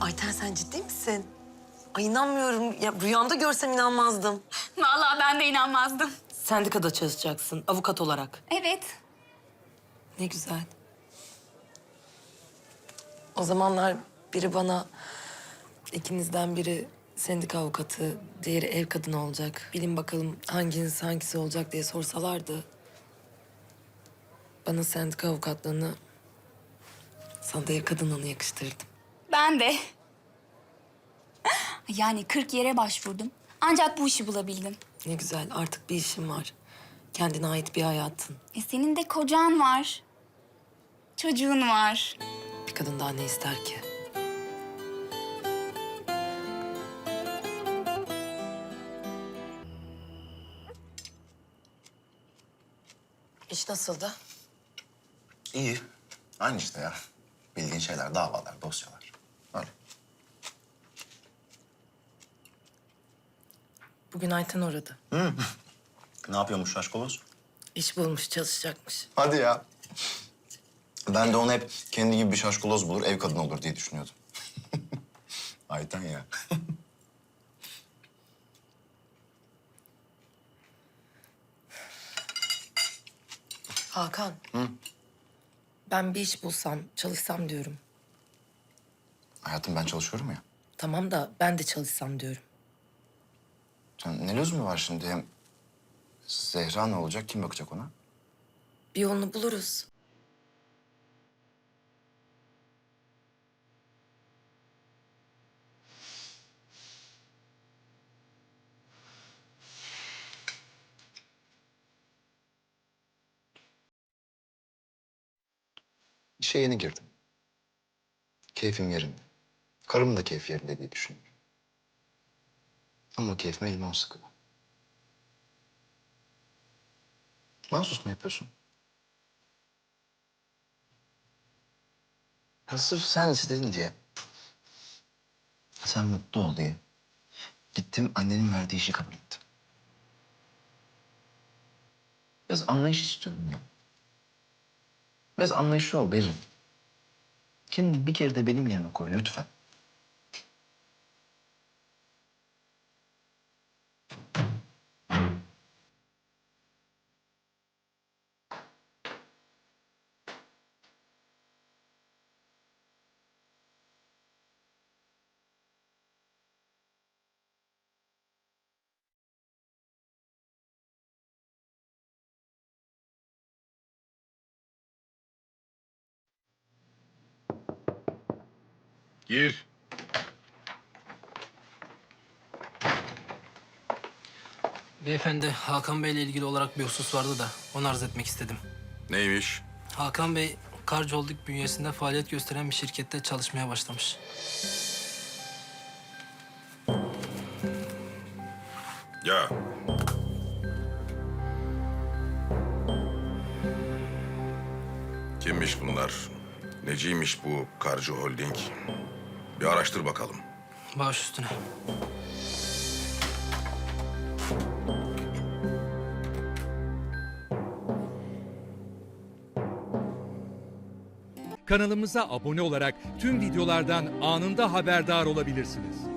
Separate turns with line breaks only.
Ayten sen ciddi misin? Ay inanmıyorum. Ya rüyamda görsem inanmazdım.
Vallahi ben de inanmazdım.
Sendikada çalışacaksın avukat olarak.
Evet.
Ne güzel. O zamanlar biri bana ikinizden biri sendika avukatı, diğeri ev kadını olacak. Bilin bakalım hanginiz hangisi olacak diye sorsalardı. Bana sendika avukatlığını, sana da ev kadınlığını yakıştırırdım.
Ben de. Yani 40 yere başvurdum. Ancak bu işi bulabildim.
Ne güzel artık bir işin var. Kendine ait bir hayatın.
Senin de kocan var. Çocuğun var.
Bir kadın daha ne ister ki? İş nasıldı?
İyi. Aynı işte ya. Bildiğin şeyler, davalar, dosyalar. Öyle.
Bugün Ayten uğradı.
Ne yapıyormuş Şaşkolos?
İş bulmuş, çalışacakmış.
Hadi ya. Ben de onu hep kendi gibi bir şaşkoloz bulur, ev kadını olur diye düşünüyordum. Ayten ya.
Hakan. Ben bir iş bulsam, çalışsam diyorum.
Hayatım ben çalışıyorum ya.
Tamam da ben de çalışsam diyorum.
Sen ne lüzumu var şimdi? Hem Zehra ne olacak? Kim bakacak ona?
Bir yolunu buluruz.
İşe yeni girdim. Keyfim yerinde. Karımın da keyfi yerinde diye düşünüyorum. Ama keyfime limon sıkıyor. Mahsus mu yapıyorsun? Ya sırf sen istedin diye. Sen mutlu ol diye. Gittim annenin verdiği işi kabul ettim. Biraz anlayış istiyorum ya. Biraz anlayışlı ol Berin. Kendini bir kere de benim yerime koy lütfen.
Gir.
Beyefendi, Hakan Bey'le ilgili olarak bir husus vardı da onu arz etmek istedim.
Neymiş?
Hakan Bey, Karc Holding bünyesinde faaliyet gösteren bir şirkette çalışmaya başlamış.
Ya. Kimmiş bunlar? Neciymiş bu Karcı Holding? Bir araştır bakalım.
Baş üstüne.
Kanalımıza abone olarak tüm videolardan anında haberdar olabilirsiniz.